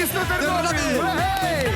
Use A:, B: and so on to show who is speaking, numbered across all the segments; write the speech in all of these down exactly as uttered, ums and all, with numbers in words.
A: Місто Тернопіль! Гей!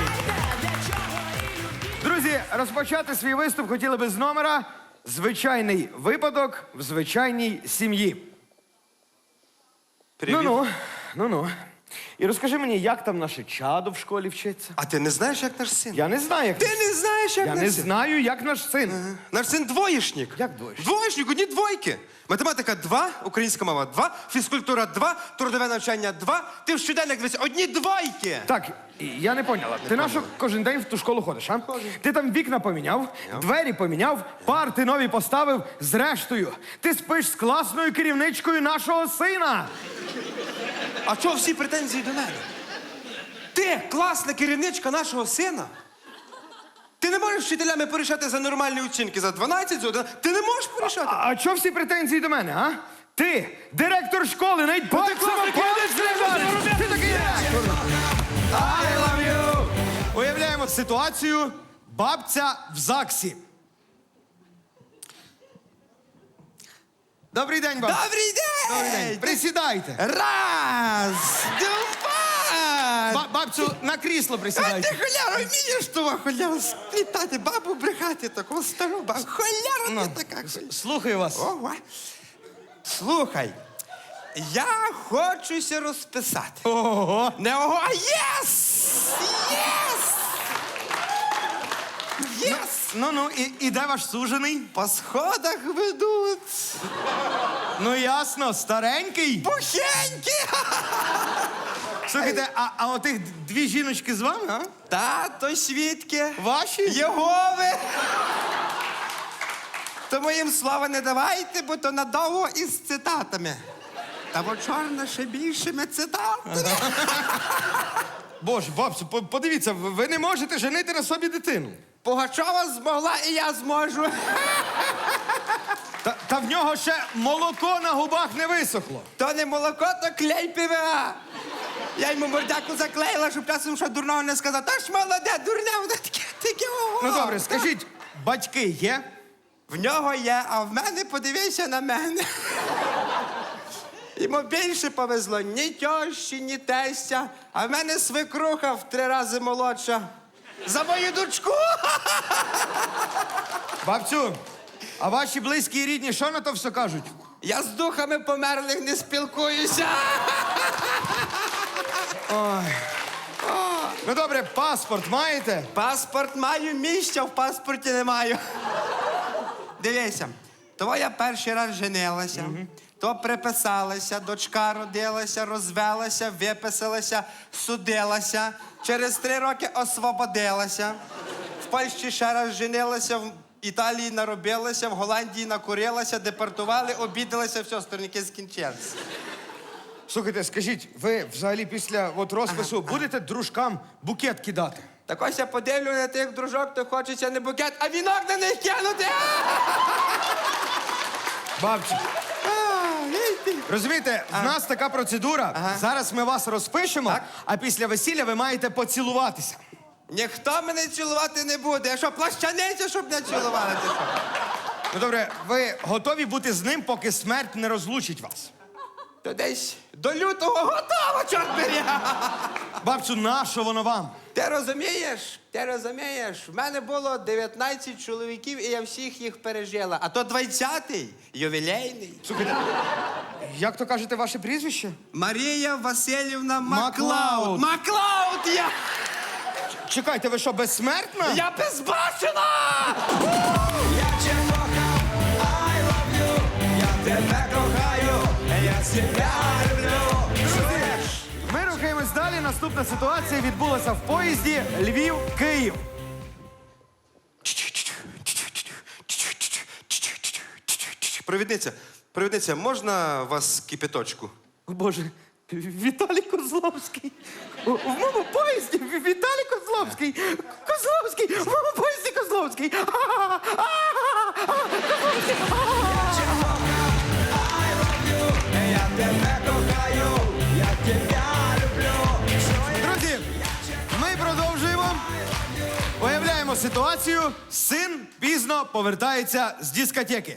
A: Друзі, розпочати свій виступ хотіли би з номера «Звичайний випадок в звичайній сім'ї».
B: Привіт.
A: Ну-ну, ну-ну. І розкажи мені, як там наше чадо в школі вчиться?
B: А ти не знаєш, як наш син?
A: Я не знаю, як
B: Ти
A: наш-
B: не знаєш, як
A: Я
B: наш
A: не
B: син?
A: знаю, як наш син.
B: Наш син двоєшник.
A: Як двоєшник?
B: Двоєшник, одні двойки. Математика два, українська мова два, фізкультура два, трудове навчання два. Ти в щоденник дивись, одні двойки.
A: Так, я не поняла. Ти на що кожен день в ту школу ходиш, а? Ти там вікна поміняв, двері поміняв, парти нові поставив. Зрештою, ти спиш з класною керівничкою нашого сина.
B: А чого всі претензії до мене? Ти класна керівничка нашого сина? Ти не можеш з вчителями порішати за нормальні оцінки, за дванадцять, за одинадцять. Ти не можеш порішати.
A: А, а чого всі претензії до мене, а? Ти, директор школи, навіть пальцем
B: класний
A: палець не
B: керівник,
A: вдариш. Ти такий директор. I love you. Уявляємо ситуацію. Бабця в ЗАГСі. Добрий день, бабця.
B: Добрий день!
A: Добрий день. Присідайте.
B: Раз, два.
A: Ба- бабцю, на крісло
B: А
A: присідайте.
B: ти холяра вмієш того холяра сплітати, бабу брехати, таку стару бабу. Холяра
A: Ну,
B: ти така. холяра.
A: Слухаю вас.
B: Ого. Слухай, я хочуся розписати.
A: Ого.
B: Не ого, а єс! Єс! Єс!
A: Ну-ну, і, і де ваш сужений?
B: По сходах ведуть.
A: Ну ясно, старенький.
B: Пухенькі!
A: Слухайте, а, а отих дві жіночки з вами, а?
B: Тато свідки.
A: Ваші?
B: Єгови! Тому їм слова не давайте, бо то надовго із цитатами. Та бо чорна ще більшими цитатами.
A: Боже, бабцю, по- подивіться, ви ви не можете женити на собі дитину.
B: Пугачова змогла, і я зможу.
A: Та, та в нього ще молоко на губах не висохло.
B: То не молоко, то клей ПВА. Я йому мордяку заклеїла, щоб часом що дурного не сказав. Та ж молоде, дурне, воно таке, таке. ого.
A: Ну добре, скажіть, батьки є?
B: В нього є, а в мене подивися на мене. Йому більше повезло ні тьощі, ні тестя, а в мене свекруха в три рази молодша. За мою дочку!
A: Бабцю, а ваші близькі і рідні що на то все кажуть?
B: Я з духами померлих не спілкуюся.
A: Ну добре, паспорт маєте?
B: Паспорт маю, місця в паспорті не маю. Дивися, то я перший раз женилася, то приписалася, дочка родилася, розвелася, виписалася, судилася. Через три роки освободилася. В Польщі ще раз женилася, в Італії наробилася, в Голландії накурилася, депортували, обідалася, все, сторінки скінчилися.
A: Слухайте, скажіть, ви взагалі після от розпису будете дружкам букет кидати?
B: Так ось я подивлю на тих дружок, то хочеться не букет, а вінок на них кинути.
A: Бабцю, розумієте, в нас така процедура.
B: Ага.
A: Зараз ми вас розпишемо,
B: Так.
A: а після весілля ви маєте поцілуватися.
B: Ніхто мене цілувати не буде. Я що, плащаниця, щоб не цілували? Ти що?
A: Ну добре, ви готові бути з ним, поки смерть не розлучить вас?
B: То десь до лютого готово, чорт бери.
A: Бабцю, нащо воно вам?
B: Ти розумієш? Ти розумієш? В мене було дев'ятнадцять чоловіків, і я всіх їх пережила. А то двадцятий, ювілейний.
A: Слухайте, як то кажете ваше прізвище?
B: Марія Васильівна
A: Маклауд.
B: Маклауд. Маклауд я!
A: Чекайте, ви що, безсмертна?
B: Я безбашена!
C: Я cię kocham, I love you. Я тебе кохаю, я себя люблю.
A: Ми рухаємось далі. Наступна ситуація відбулася в поїзді Львів-Київ.
B: Провідниця, провідниця, можна вас кипяточку?
A: О, Боже, Віталій Козловський. У в моєму поїзді Ві- Віталій Козловський. Козловський, в моєму поїзді Козловський. А-а-а, Козловський.
C: Я тебе кохаю, я тебя люблю.
A: Друзі, ми продовжуємо. Уявляємо ситуацію. Син пізно повертається з дискотеки.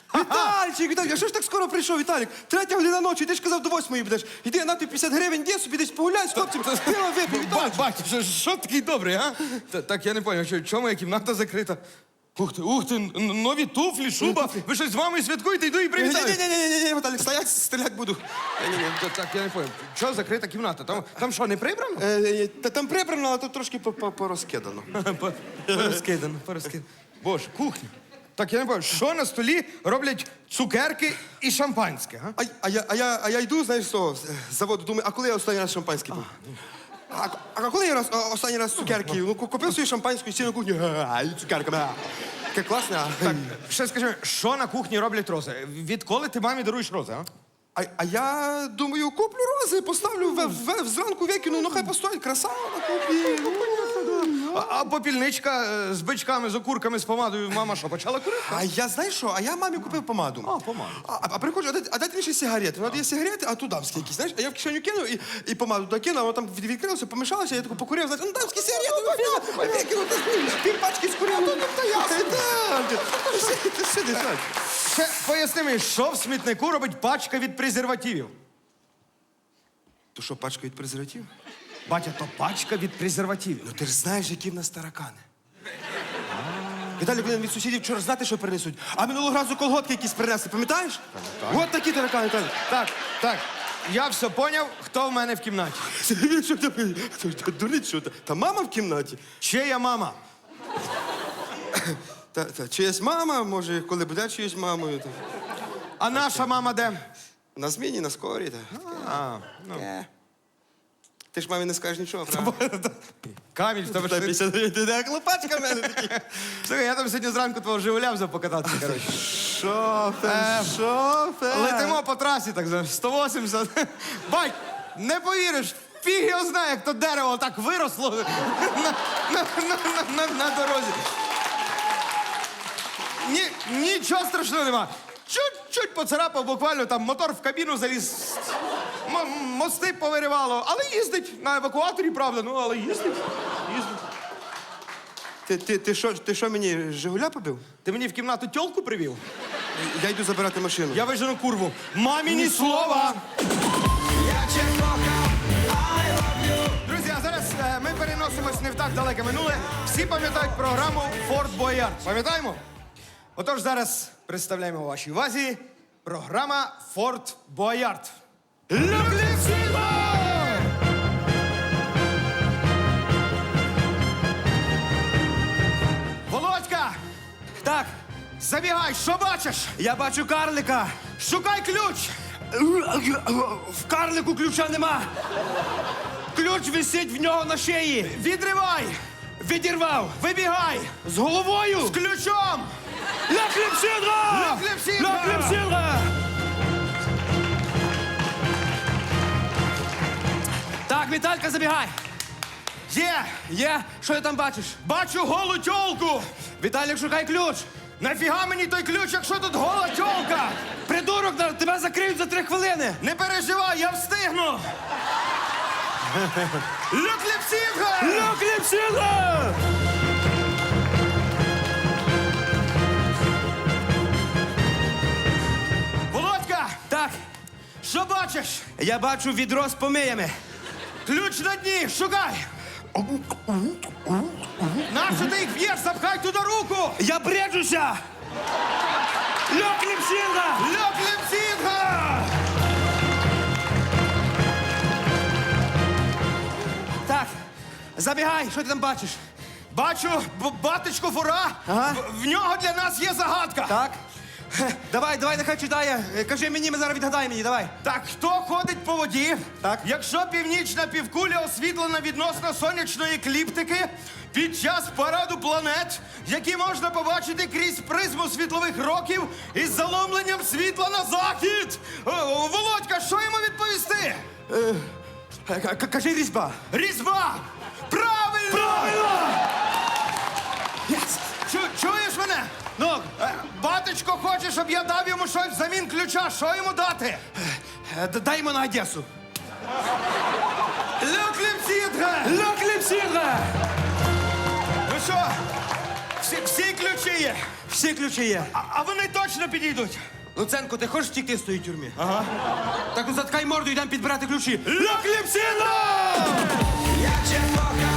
D: Вітальчик, Віталік, а що ж так скоро прийшов, Віталік? Третя година ночі, ти ж казав, до восьмої будеш. Іди, на тобі п'ятдесят гривень, де собі десь погуляй з хлопцем, пиво випій,
A: Бать,
D: Віталік.
A: бать, що, що такий добрий, а? Та- Так, я не зрозумів, що, чому моя кімната закрита? Ух ти, ух ти, н- нові туфлі, шуба. Ви щось з мамою святкуєте, йду і привітаю.
D: Ні-ні-ні, Віталік, стоять, стріляти буду.
A: Ні-ні-ні, та- так, я не зрозумів. Чого закрита кімната? Там, там що, не прибрано?
D: Е, е, Та там прибрано, але тут трошки по- по- порозкидано.
A: По- Порозкидано, порозкидано. Боже, кухня. Так, я не пам'ятаю, що на столі роблять цукерки і шампанське, а?
D: А, а, я, а, я, а я йду, знаєш, з того, з заводу, думаю, а коли я останній раз шампанське пив? А, а коли я раз, о- останній раз цукерки? Ну, ку- купив собі шампанську і сів на кухню, а, і цукерка, бля. Таке класне, а?
A: Так, ще скажи, що на кухні роблять рози? Відколи ти мамі даруєш рози, а?
D: А, а я думаю, куплю рози, поставлю в, в, зранку викину, ну хай постоїть, красава на кухні. Ну, понятно, да.
A: А, а попільничка е, з бичками, з окурками, з помадою, мама що, почала курити?
D: А я, знаєш що, а я мамі купив помаду.
A: А, помаду.
D: А, а, а приходжу, а дайте, а дайте мені ще сигарети. Вона дає сигарети, а тут дамські якісь, знаєш? А я в кишеню кинув і, і помаду туди кинув, а воно там від- відкрилося, помішалося, я таку покурив, знаєш, ну дамські сигарети, ну, ну, я кинув, пів пачки скурив, ну, ну, то я Ти сидиш, так.
A: Ще поясни мені, що в смітнику робить пачка від презервативів?
D: То що, пачка від презерватив?
A: Батя, то пачка від презервативів.
D: Ну ти ж знаєш, які в нас таракани. Віталій, блин, від сусідів вчора знати, що принесуть. А минулого разу колготки якісь принесли, пам'ятаєш? От такі таракани, Віталій.
A: Так, так, я все поняв, хто в мене в кімнаті.
D: Що ти? Дурить, що та? Та мама в кімнаті.
A: Чия мама?
D: Та, та чиясь мама, може, коли буде чиюсь мамою. Та.
A: А наша мама де?
D: На зміні, на скорі. Та.
A: А, ну.
D: Е. Ти ж мамі не скажеш нічого, правда?
A: Каміль, в тебе
D: Та
A: ж...
D: п'ятдесят гривень, ти де клопачка в мене такі.
A: Слухай, я там сьогодні зранку твого Жигуля взяв покататися, коротше.
D: Шофер, шофер.
A: Летимо по трасі, так за сто вісімдесят. Бать, не повіриш, фіг його знає, як то дерево так виросло на, на, на, на, на, на дорозі. Ні, нічого страшного нема. Чуть-чуть поцарапав, буквально там мотор в кабіну заліз. М- мости повиривало, але їздить на евакуаторі, правда, ну, але їздить. їздить.
D: Ти, ти, ти, що, ти що мені, Жигуля побив?
A: Ти мені в кімнату тьолку привів?
D: Я йду забирати машину.
A: Я вижену курву. Мамі ні слова!
C: Я cię kocham, I love you.
A: Друзі, а зараз е, ми переносимось не в так далеке минуле. Всі пам'ятають програму Форт Боярд. Пам'ятаємо? Отож, зараз представляємо вашій увазі програма Форт Боярд. Люблю всіх! Володька!
D: Так,
A: Забігай, що бачиш?
D: я бачу карлика.
A: Шукай ключ!
D: В карлику ключа нема. Ключ висить в нього на шиї.
A: Відривай!
D: Відірвав.
A: Вибігай!
D: З головою.
A: З ключом!
D: Ля кліпсідра!
A: Ля кліпсідра!
D: Ля кліпсідра! Так, Віталька, забігай.
A: Є!
D: Є, що ти там бачиш?
A: Бачу голу тьолку!
D: Віталік, шукай ключ.
A: Нафіга мені той ключ, якщо тут гола тьолка?
D: Придурок, на- тебе закриють за три хвилини.
A: Не переживай, я встигну! Люкліпсінга!
D: Ля кліпсідра!
A: Володька!
D: Так,
A: Що бачиш?
D: я бачу відро з помиями.
A: Ключ на дні, шукай! Нащо ти їх б'єш? Запхай туди руку!
D: Я бреджуся! Ля кліпсідра!
A: Люкліпсінга!
D: Так, забігай, що ти там бачиш?
A: Бачу б- батечку фура.
D: Ага.
A: В, в нього для нас є загадка.
D: Так. Давай, давай, нехай читає. Е, Кажи мені, ми зараз відгадаємо її, давай.
A: Так, хто ходить по воді?
D: Так.
A: Якщо північна півкуля освітлена відносно сонячної екліптики під час параду планет, які можна побачити крізь призму світлових років із заломленням світла на захід. О, о, Володька, що йому відповісти?
D: Е, к- к- Кажи різьба.
A: Різьба! Правильно!
D: Правильно!
A: Чу- чуєш мене?
D: Ну,
A: Е, Батечко хоче, щоб я дав йому щось взамін ключа. Що йому дати?
D: е, д- дай йому на Одесу.
A: Люкліпсідга!
D: Ля кліпсідра!
A: Ну що, всі, всі ключі є?
B: Всі ключі є.
A: А, а вони точно підійдуть.
D: Луценко, ти хочеш втікти з тої тюрми? Ага. Так ну заткай морду, йдемо підбирати ключі.
A: Ля кліпсіна!
C: Я cię kocham,